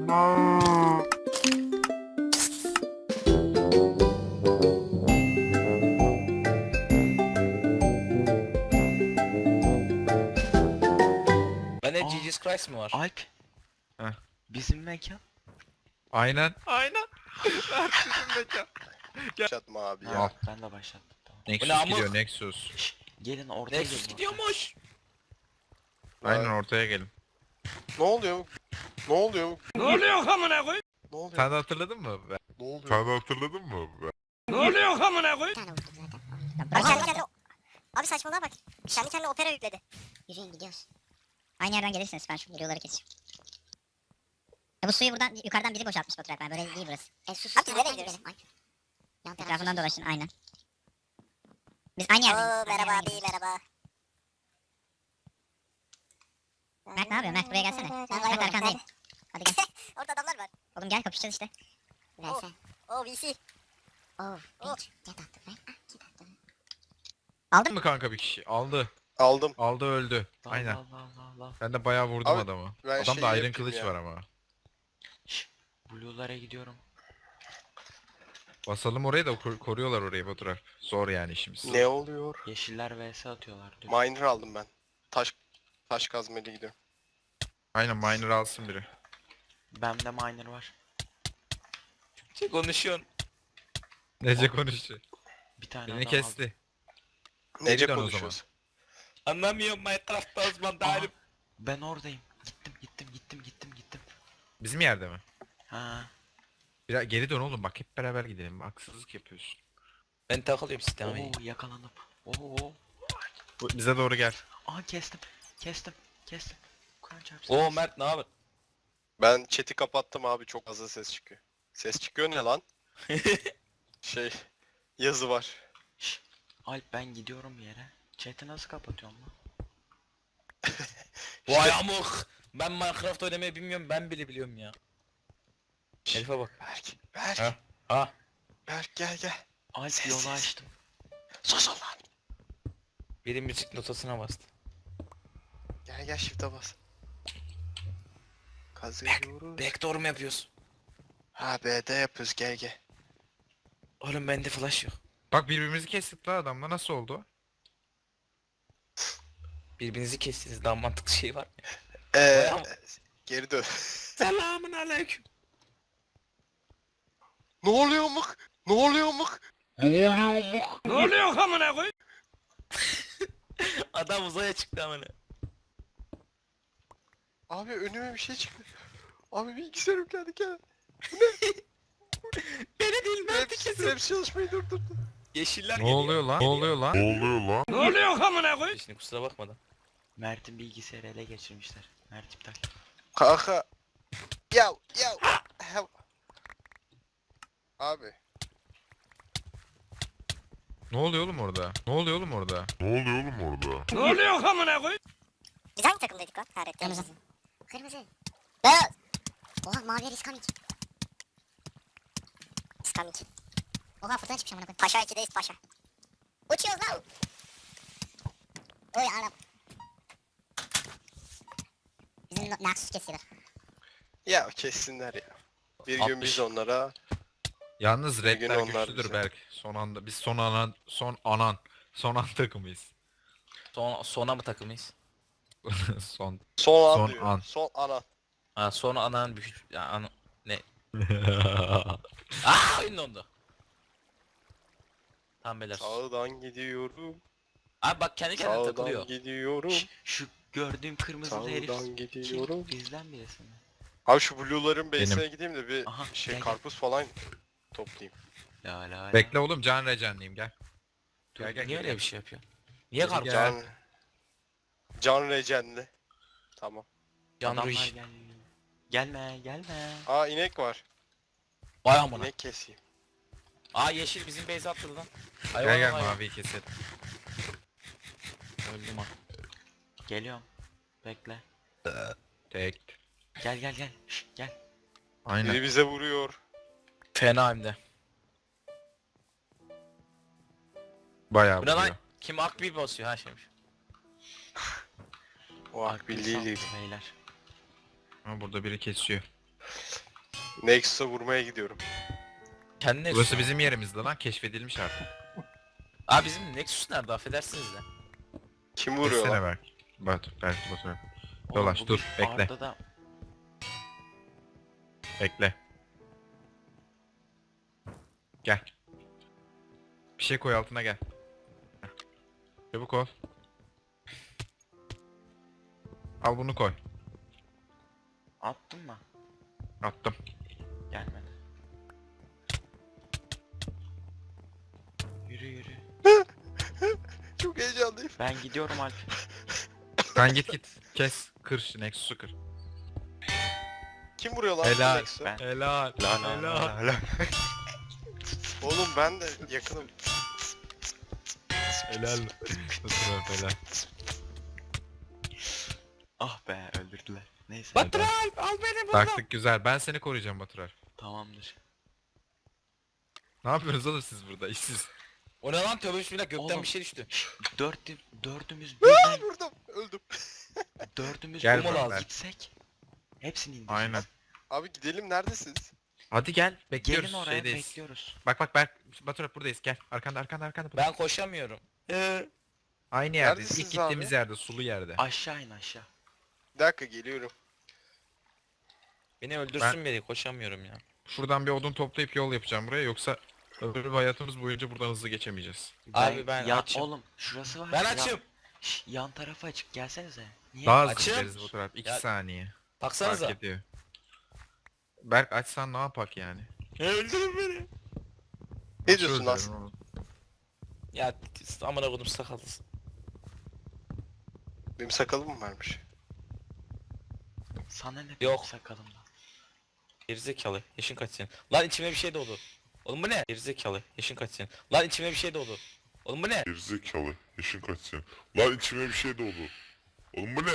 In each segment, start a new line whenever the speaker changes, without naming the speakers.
Bende Jesus Christ mı var?
Alp.
Heh.
Bizim mekan.
Aynen. Aynen. Mert bizim mekan.
Başlatma abi ya.
Al.
Ben de başlattım. Tamam.
Bu ne
Nexus
amık?
gidiyor Nexus.
Şşş, gelin ortaya
Nexus
gelin.
gidiyormuş.
Aynen ortaya gelin.
Ne oluyor? Ne oluyor?
Ne oluyor amına koy?
Ne oluyor?
Sen de hatırladın mı?
Ne oluyor?
Sen de hatırladın mı?
Ne oluyor amına koy?
Abi kendi kendine... Abi saçmalığa bak. Kendi kendine opera yükledi.
Yürüyün gidiyoruz.
Aynı yerden gelirsiniz, ben şu videoları keseceğim. Bu suyu buradan yukarıdan biri boşaltmış Baturay. Ben böyle değil burası.
Sus
Abi biz nereye gidiyoruz?
gidelim. Ay. Yan taraf
Etrafından
sus.
dolaşın aynen. Biz aynı yerdeyiz.
Oo, merhaba abi merhaba.
Mert ne yapıyor? Mert buraya gelsene.
Ben
Mert
kayboldum.
arkandayım. Hadi gel.
Orada adamlar var.
Oğlum gel kapışacağız işte.
Verse.
Oo VC.
Oh, bitch. Get attı be. Get attı.
Aldın mı?
mı kanka bir kişi? Aldı.
Aldım.
Aldı öldü.
Allah
Aynen.
Allah Allah.
Ben de bayağı vurdum
Abi,
adamı.
ben
Adamda
şey
Iron
yapayım
kılıç
ya.
var ama.
Şşş. Blue'lara gidiyorum.
Basalım orayı da koruyorlar orayı Baturay. Zor yani işimiz.
Ne oluyor?
Yeşiller vs atıyorlar diyor.
Miner aldım ben. Taş kazmayla gidiyorum.
Aynen miner alsın biri.
Bende miner var.
Şey konuşuyorsun.
Nece konuşuyor.
Bir tane
Beni
adam
kesti.
Nece
dön o
konuşuyoruz?
Anlamıyorum Minecraft'ta uzman
aldım. Aha,
değilim.
ben oradayım. Gittim.
Bizim yerde mi?
Ha.
Biraz geri dön oğlum bak hep beraber gidelim. Haksızlık yapıyorsun.
Ben takılıyorum sisteme.
Oo yakalandım. Oo.
Bize doğru gel.
Aha kestim. Kur'an çarpsın.
Oo Mert ne haber?
Ben chat'i kapattım abi, çok fazla ses çıkıyor. Ses çıkıyor ne lan? Yazı var.
Şşş. Alp ben gidiyorum bir yere. Chat'i nasıl kapatıyorum lan?
Vay amık. Ben Minecraft oynamayı bilmiyorum, ben bile biliyorum ya. Herife bak.
Berk.
Ha. Ha.
Berk gel.
Alp
Sessiz.
yolu açtım.
Sus lan.
Biri müzik notasına bastı.
Gel shift'e bas. Kazıyoruz.
Backdoor mu yapıyorsun?
Ha B'de yapıyoruz, gel.
Oğlum bende flash yok.
Bak birbirimizi kestik la adamla nasıl oldu?
Birbirinizi kestiniz, daha mantıklı şey var mı?
Eee geri dön.
Selamun aleyküm.
Ne oluyor mık? Ne oluyor mık?
Ne oluyor amına koy? Adam uzaya çıktı amına.
Abi önüme bir şey çıktı. Abi bilgisayarım gel.
Beni değil Mert'i
Hepsi
kesin.
çalışmayı durdurdu.
Yeşiller
Ne
geliyor.
oluyor lan? Ne
Geliyor.
oluyor lan?
Ne oluyor amına koy? Şimdi kusura bakmadan.
Mert'in bilgisayarı ele geçirmişler. Mert iptal.
Kanka. Yav. Abi.
Ne oluyor oğlum orada? Ne oluyor oğlum orada?
Ne oluyor amına koy?
Biz hangi takımdaydık lan? Hayret.
Kırmızı.
Beyaz.
Oha mavi riskamik.
İskamik.
Oha fırtına çıkmış amına koyayım.
Paşa 2'deyiz paşa.
Uçuyoruz lan. Oy anam. Bizim Naxus kesiyorlar.
Ya kessinler ya. Bir gün
60.
biz onlara.
Yalnız
Bir gün
redler
onlar
güçlüdür
bize.
Berk. Son anda biz son an takımıyız.
Sona mı takılmayız?
son.
Son an
Son
diyor.
an.
Son ana.
Ha sonra ananın büyük... Ya, ne? Aaa oyun dondu. Tamam beyler.
Sağdan gidiyorum.
Abi bak kendi kendine
Sağdan
takılıyor.
gidiyorum.
Şşş, şu gördüğüm kırmızılı herif.
Sağdan gidiyorum.
Kim? Bizden birisi mi?
Abi şu blue'ların base'ine
Benim.
gideyim de bir
Aha, gel.
karpuz falan toplayayım.
La.
Bekle oğlum can recenliyim gel.
Dur,
Gel,
niye öyle
gel.
bir şey yapıyor? Niye
Gel,
karpuz?
gel.
Can Recenli. Tamam.
Can
Adamlar
Ruiz.
Gelme.
Aa inek var.
Vay amına.
İnek keseyim.
Aa yeşil bizim base attı lan.
Gel
hayvan.
maviyi keselim.
Öldüm ha.
Geliyorum. Bekle.
Tek.
Gel. Şşş, gel.
Aynen.
Biri bize vuruyor.
Fena hem de.
Bayağı
Bu ne lan?
vuruyor.
Kim akbil basıyor ha şeymiş.
O
Akbil
akbil değil.
sağ beyler.
Ha, burada biri kesiyor.
Nexus'a vurmaya gidiyorum.
Kendine
Burası bizim yerimizde lan, keşfedilmiş artık.
Abi bizim Nexus nerede affedersiniz de.
Kim vuruyor
Geçsene
lan?
belki. Belki Batu.
Oğlum
Dolaş,
bugün
dur, bekle.
Arda da
Bekle. Gel. Bir şey koy altına, gel. Heh. Çabuk ol. Al bunu koy.
attın mı?
Attım.
Gelmedi. Yürü yürü.
Çok heyecanlıyım.
Ben gidiyorum Alp.
Sen git. Kes. Kır şu Nexus'u kır.
Kim vuruyor lan?
Helal.
Nexus'a?
Ben.
Helal.
La la la la.
Oğlum ben de yakınım.
Helal. Batu helal.
Ah be öldürdüler. Neyse.
Batur Alp al beni buradan.
Taktik güzel. Ben seni koruyacağım Batural.
Tamamdır.
Ne yapıyorsunuz oğlum siz burada? İşsiz.
O ne lan tövbe bismillah gökten
Oğlum.
bir şey düştü.
Dördümüz birden
Vurdum. Öldüm.
dördümüz
Gel
birden
beraber.
gitsek hepsini indireceğiz.
Aynen.
Abi gidelim neredesiniz?
Hadi gel. Bekliyoruz.
Gelin oraya
Şeydeyiz.
bekliyoruz.
Bak Batural buradayız. Gel. Arkanda.
Ben koşamıyorum.
Aynı yerdeyiz.
Neredesiniz
İlk gittiğimiz
abi?
yerde. Sulu yerde.
Aşağı in aşağı.
Bir dakika geliyorum.
Beni öldürsün beni koşamıyorum ya.
Şuradan bir odun toplayıp yol yapacağım buraya. Yoksa öbür hayatımız boyunca buradan hızlı geçemeyeceğiz.
Abi ben
ya,
açım.
Oğlum şurası var.
Ben
ya-
açım.
yan tarafa açık gelsenize. Niye?
Daha hızlı
Açım.
gideriz Batural. 2
Ya-
saniye. Fark
Baksanıza.
ediyor. Berk açsan ne yapak yani?
Öldürün beni.
Ne diyorsun
Nasıl
Aslı?
öldürürüm oğlum?
Ya amına koydum sakalsız.
Benim sakalım mı varmış?
Sana ne
Yok.
benim sakalımda.
Gerizekalı. Yaşın kaç senin? Lan içime bir şey doğdu. Oğlum bu ne? Gerizekalı. Yaşın kaç senin? Lan içime bir şey doğdu. Oğlum bu ne?
Gerizekalı. Yaşın kaç senin? Lan içime bir şey doldu. Oğlum bu ne?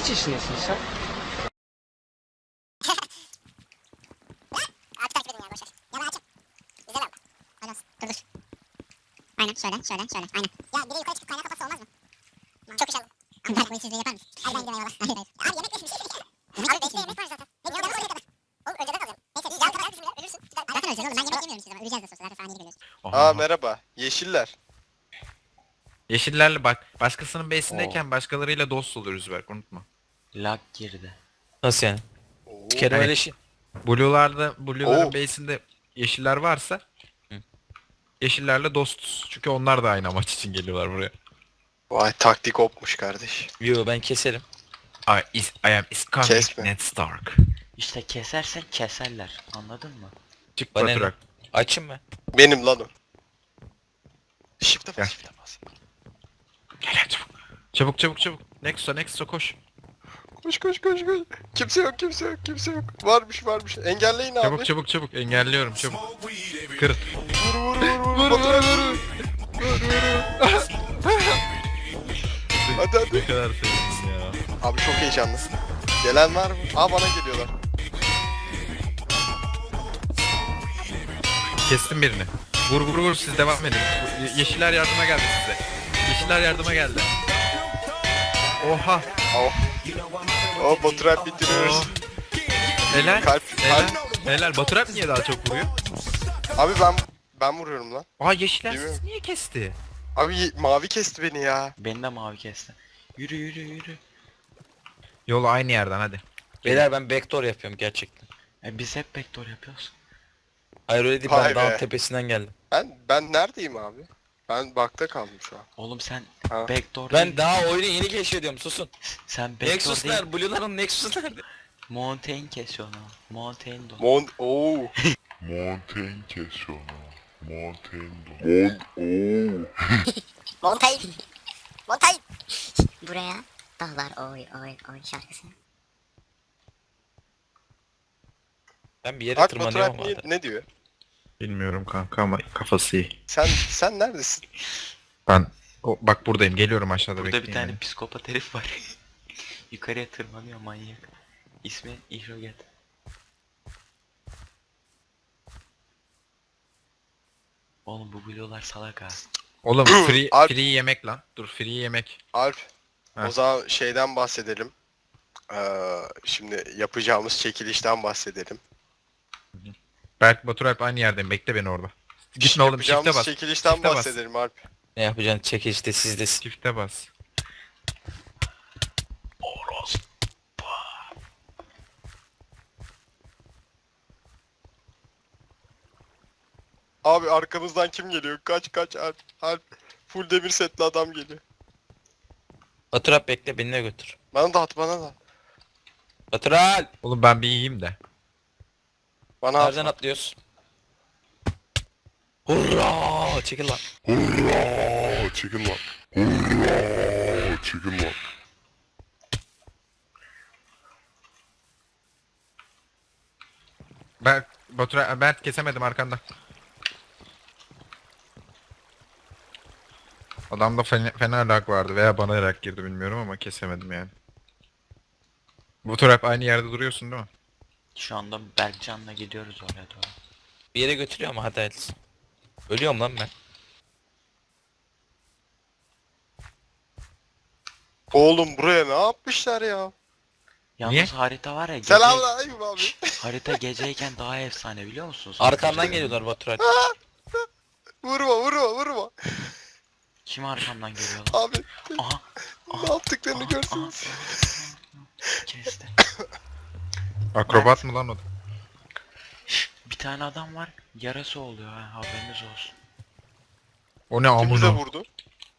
Abi takip edin ya boşver. Ya ben açım. Güzel abi. Hadi olsun. Dur dur. Aynen şöyle. Aynen. Ya biri yukarı çıkıp kaynağı kapatsa olmaz mı? Çok iş aldım. Abi ben bu işi yapar mısın? Hadi ben gidiyorum eyvallah. Hayır. Abi yemek yesin bir şey yesin. Abi bekle yemek var zaten. Ne diyor? Oraya kadar. Oğlum önceden kalacağım. Neyse biz yan kadar bizimle ölürsün. Zaten öleceğiz oğlum ben yemek yemiyorum size. Öleceğiz de sonuçta zaten saniyeli geliyoruz.
Aha.
Aa merhaba. Yeşiller.
Yeşillerle bak. Başkasının base'indeyken başkalarıyla dost oluyoruz Berk, unutma.
Lag girdi.
Nasıl yani?
Oo.
Bir kere
Evet.
öyle şey.
Blue'ların
Oo.
base'inde yeşiller varsa
Hı.
yeşillerle dostuz. Çünkü onlar da aynı amaç için geliyorlar buraya.
Vay taktik opmuş kardeş.
Yo ben keserim.
I am Iskandar
Kesme.
Ned Stark.
İşte kesersen keserler. Anladın mı?
Çık
Bana ne?
Batural.
Açım mı?
Benim lan o. Shift'e
Gel.
bas, shift'e bas.
Gel çabuk. Nexus'a koş.
Koş. Kimse yok. Varmış. Engelleyin abi.
Çabuk. Engelliyorum çabuk. Kır.
Vur. Batur. Hadi.
Ne kadar sevindim ya.
Abi çok heyecanlı. Gelen var mı? Aa bana geliyorlar.
Kestim birini. Vur siz devam edin. Yeşiller yardıma geldi size. Yeşiller yardıma geldi. Oha.
Oh Batur bitiriyoruz.
Oh. Helal.
Kalp.
Helal. Batural niye daha çok vuruyor?
Abi ben vuruyorum lan.
Aa yeşiller
Değil mi?
siz niye kesti?
Abi mavi kesti beni ya.
Beni de mavi kesti. Yürü.
Yolu aynı yerden hadi.
Beyler ben backdoor yapıyorum gerçekten.
Biz hep backdoor yapıyoruz.
Hayır öyle değil
Vay
ben dağın
be.
tepesinden geldim.
Ben neredeyim abi? Ben bakta kaldım şu an.
Oğlum sen
Ha.
backdoor
Ben
değil.
daha oyunu yeni keşfediyorum susun.
Sen backdoor
Nexus
değil.
nerede? Blue'ların Nexus nerede?
Mountain kesiyorsun ha. Mountain do.
Oo.
Mountain kes onu. Mountain do.
Montay. Buraya dağlar oy şarkısı.
Ben bir yere
Bak
tırmanıyorum
Batur
ama.
ne diyor?
Bilmiyorum kanka ama kafası iyi.
Sen neredesin?
Bak buradayım, geliyorum aşağıda,
Burada
bekleyin
bir tane
beni.
psikopat herif var. Yukarıya tırmanıyor manyak. İsmi İhroget. Oğlum bu blue'lar salak ha.
Oğlum
Alp.
free yemek lan. Dur free yemek.
Alp.
Ha.
O zaman şeyden bahsedelim. Şimdi yapacağımız çekilişten bahsedelim.
Berk Batur Alp aynı yerdeyim. Bekle beni orada. Gitme oğlum, çifte
Yapacağımız
bas.
çekilişten
Çifte bas.
bahsedelim Alp.
Ne yapacaksın çekilişte sizdesin.
Çifte bas.
Abi arkamızdan kim geliyor? Kaç Alp. Alp. Full demir setli adam geliyor.
Batur abi bekle beni de götür.
Bana da at bana da.
Batur abi.
Oğlum ben bir iyiyim de.
Bana at.
Nereden atlıyoruz? Hurra! Çekil lan.
Hurra! Çekil lan. Hurra! Çekil lan.
Berk kesemedim arkanda. Adamda fena lag vardı veya bana lag girdi bilmiyorum ama kesemedim yani. Batur Alp aynı yerde duruyorsun değil mi?
Şu anda Berkcan'la gidiyoruz oraya doğru.
Bir yere götürüyor ama hadi hayırlısı. Ölüyorum lan ben.
Oğlum buraya ne yapmışlar ya?
Yalnız
Niye?
harita var ya gece,
Selamünaleyküm abi.
harita geceyken daha efsane biliyor musunuz?
Arkamdan geliyorlar Batur abi.
Vurma.
Kim arkamdan geliyor lan?
Abi
Aha.
ne yaptıklarını görsünüz.
Kesti.
Akrobat mı lan o da?
Bir tane adam var. Yarası oluyor ha, haberiniz olsun.
O ne
Kim bize
amına?
vurdu?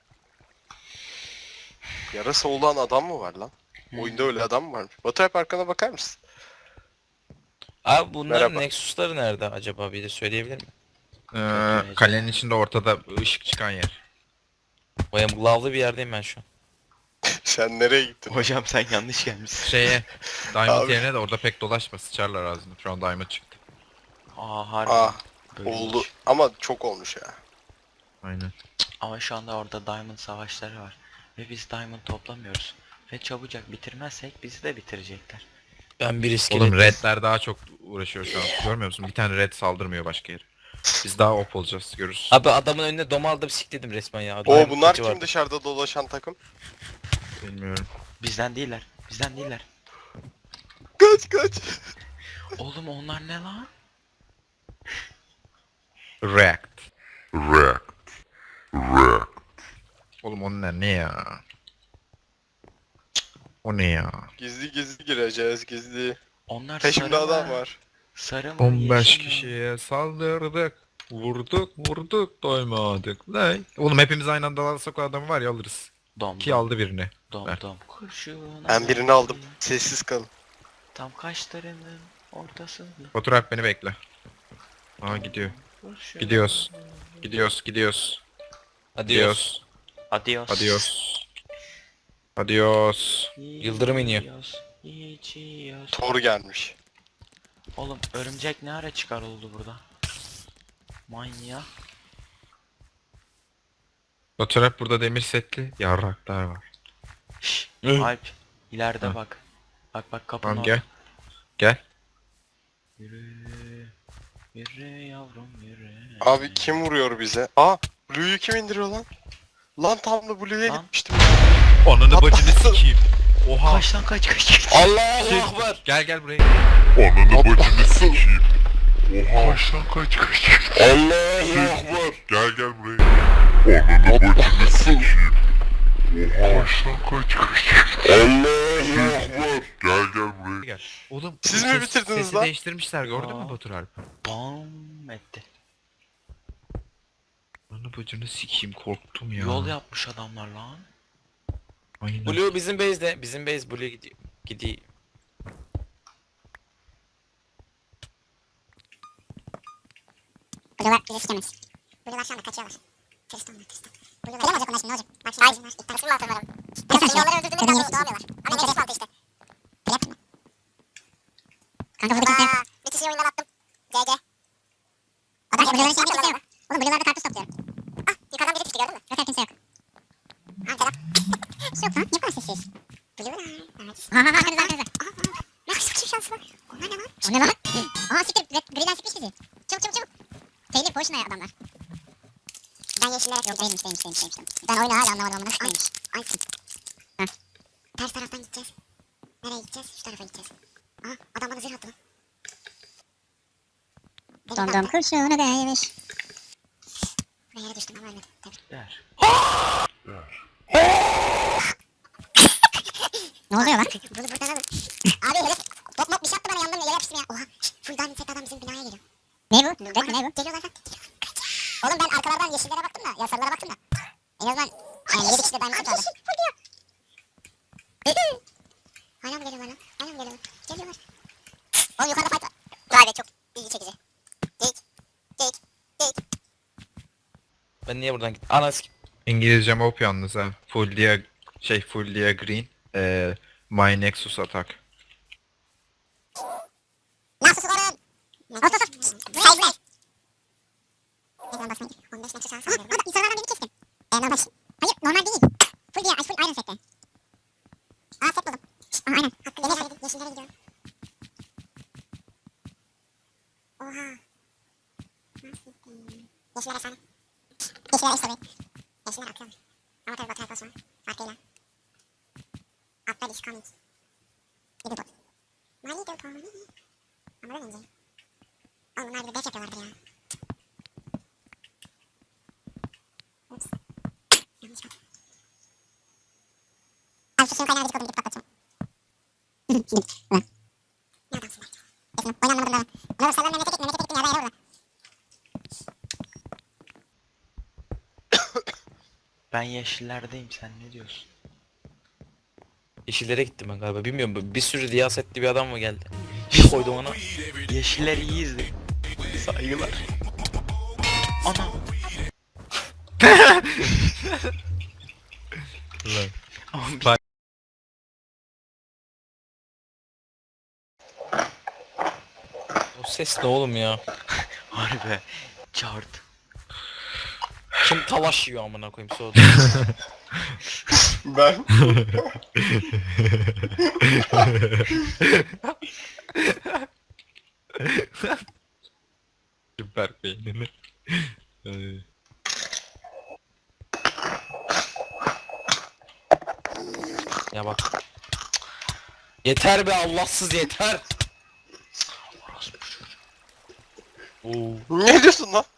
Yarası olan adam mı var lan? Oyunda öyle adam mı varmış? Batu hep arkana bakar mısın?
Abi bunların
Merhaba.
Nexus'ları nerede acaba bir de söyleyebilir mi?
Kalenin içinde ortada ışık çıkan yer.
Bayım lavlı bir yerdeyim ben şu an.
Sen nereye gittin?
Hocam sen yanlış gelmişsin.
Şeye, Diamond
Abi.
yerine de orada pek dolaşma, sıçarlar ağzını. Şu an Diamond çıktı.
Harbi.
Ah
Böyle
oldu
olmuş.
ama çok olmuş ya.
Aynen.
Ama şu anda orada Diamond savaşları var. Ve biz Diamond toplamıyoruz. Ve çabucak bitirmezsek bizi de bitirecekler.
Ben bir iskelet.
Oğlum redler daha çok uğraşıyor şu an. Görmüyor musun? Bir tane red saldırmıyor başka yere. Biz daha op olacağız, görürsün.
Abi adamın önüne dom aldım sikledim resmen ya.
O
Adamın
bunlar
kılıcı
kim
vardı.
dışarıda dolaşan takım?
Bilmiyorum.
Bizden değiller. Bizden değiller.
Kaç.
Oğlum onlar ne lan?
React.
React. React.
Oğlum onlar ne ya? O ne ya?
Gizli gireceğiz gizli.
Onlar
Peşimde
sarı
adam
mı?
var.
Sarı mı?
15
yeşil mi?
kişiye saldırdık. Vurduk doymadık. Ne? Oğlum hepimiz aynı anda alırsak o adamı var ya alırız.
Dom
Ki
dom,
aldı birini.
dom
ver.
dom. Kurşun
Ben birini aldım. Sessiz kalın.
Tam kaşlarının ortasında.
Batur Alp beni bekle. Aa gidiyor.
Kurşun.
Gidiyoruz.
Hadi yiyoruz.
Gidiyoruz.
Adios.
Adios.
Yıldırım iniyor.
İçiyoruz.
Thor gelmiş.
Oğlum örümcek ne ara çıkar oldu burada? Manyak.
Batur Alp burada demir setli yarraklar var.
Şşş.
Hı.
Alp. İleride
Ha.
bak. Bak kapının
Tamam
orada.
gel. Gel.
Yürü. Yürü yavrum yürü.
Abi kim vuruyor bize? Aa Blue'yu kim indiriyor lan? Lan tam da Blue'ya
Lan.
gitmiştim.
Ananı
Hatta-
bacını sikeyim. Oha.
Kaç lan kaç.
Allahu
Şey-
Ekber.
Gel buraya.
Ananı bacını sikeyim. Oha. Kaç lan kaç. Allahu Ekber. Gel buraya. Ananı bacını sikeyim. Oha. Kaç lan kaç. Allahu Ekber. Gel buraya.
Gel. Oğlum
Siz
bu
mi bitirdiniz
sesi
lan?
değiştirmişler gördün mü
Aa.
Batur Alp?
Bam etti.
Ananı bacını sikeyim korktum ya.
Yol yapmış adamlar lan.
Aynen.
Blue bizim base'de. Bizim base Blue gidiyor. Gidiyor.
Blue'lar bizi sikemez. Blue'lar şu anda kaçıyorlar. Tristan. Blue'lar gelemeyecek onlar şimdi ne olacak? Bak şimdi hayır. İlk tanesi mi altı umarım? Mesela şimdi onları öldürdüğünde daha doğamıyorlar. Ama neresi altı işte. Trap mı? Kanka burada kimse yok. Bir kişiyi oyundan attım. GG. Adam Blue'ların içinde kimse yok. Oğlum Blue'larda karpuz topluyorum. Ah yukarıdan biri düştü gördün mü? Yok kimse yok. Ha selam. Bir şey yok lan. Niye bu kadar sessiz? Blue'lar. Ha arkanızda. Ne kadar bir şansı var. Onlar ne lan? O ne lan? Aa siktir. Griden sıkmış bizi. Çabuk. Taylor Potion'a adamlar. Ben yeşillere yok değilmiş. Ben oyunu hala anlamadım ama nasıl değilmiş. Ay. Heh. Ters taraftan gideceğiz. Nereye gideceğiz?
Dondom kurşuna değmiş.
Buraya yere düştüm ama ölmedim. Tabii.
Der.
Ne oluyor lan?
Bunu buradan alın. Abi herif top mop bir şey yaptı bana yandım yere yapıştım ya. Oha. Full diamond set adam bizim binaya geliyor.
Ne bu? Red mi ne bu?
Geliyorlar lan. Oğlum ben arkalardan yeşillere baktım da. Ya sarılara baktım da. En azından yani 7 kişi de diamond set vardı. Hala mı geliyorlar lan? Hala mı geliyorlar? Geliyorlar. Oğlum yukarıda fight var. Vay be çok ilgi çekici. Geyik. Geyik. Geyik.
Ben niye buradan gittim? Ana sikim.
İngilizcem op yalnız ha. Full dia green. My Nexus attack.
Nasıl sorun? Ot ot ot. Saygılar. Ne zaman basmayın? 15 metre sağa sağlıyorum. Adam insanlardan birini kestim. Normal. Hayır normal değil. Full dia, full iron sette. Aa set buldum. Aa aynen. Hakkı yeşillere gidiyorum. Oha. Nasıl gittim? Yeşiller efsane. Yeşiller işte böyle. Yeşiller akıyor. Ama tabii Batu Alfos var. Farkıyla. Altta is coming. Little bot. My little pony. Ama böyle ince. Oğlum bunlar bir de def yapıyorlardır ya. Ups. Yanlış bak. Abi şu suyun kaynağına gıcık oldum gidip patlatacağım. Gidip. Ulan. Ne adamsın belki. Kesin. Oynanmadım da. Ona sallan memlekete gittin ya da yere orada.
Ben yeşillerdeyim, sen ne diyorsun?
Yeşillere gittim ben galiba. Bilmiyorum. Bir sürü riyasetli bir adam mı geldi? Bir koydum ona.
Yeşiller iyiyiz de. Saygılar. Ana.
Ulan.
Ama bir-
Bak.
O ses ne oğlum ya?
Harbi. Çağırdı.
Kim talaş yiyor amına koyayım soğudu.
Ben.
Süper beynini.
Ya bak. Yeter be Allahsız yeter. Oo.
Ne diyorsun lan?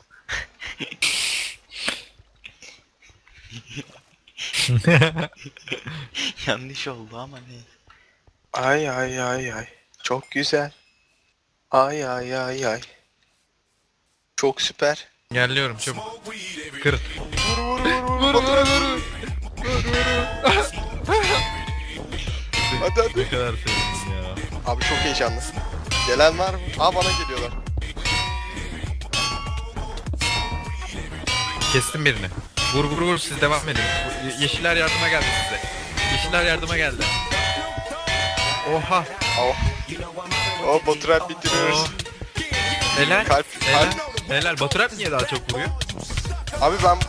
Yanlış oldu ama ne?
Ay ay ay ay. Çok güzel. Ay ay ay ay. Çok süper.
Engelliyorum çabuk. Kır.
Hadi hadi.
Ne kadar sevindim ya.
Abi çok heyecanlı. Gelen var mı? Aa bana geliyorlar.
Kestim birini. Vur siz devam edin. Yeşiller yardıma geldi size. Yeşiller yardıma geldi. Oha.
Oh. Oh Baturap bitiriyoruz.
Oh. Helal.
Kalp.
Helal. Helal. Baturap niye daha çok vuruyor?
Abi ben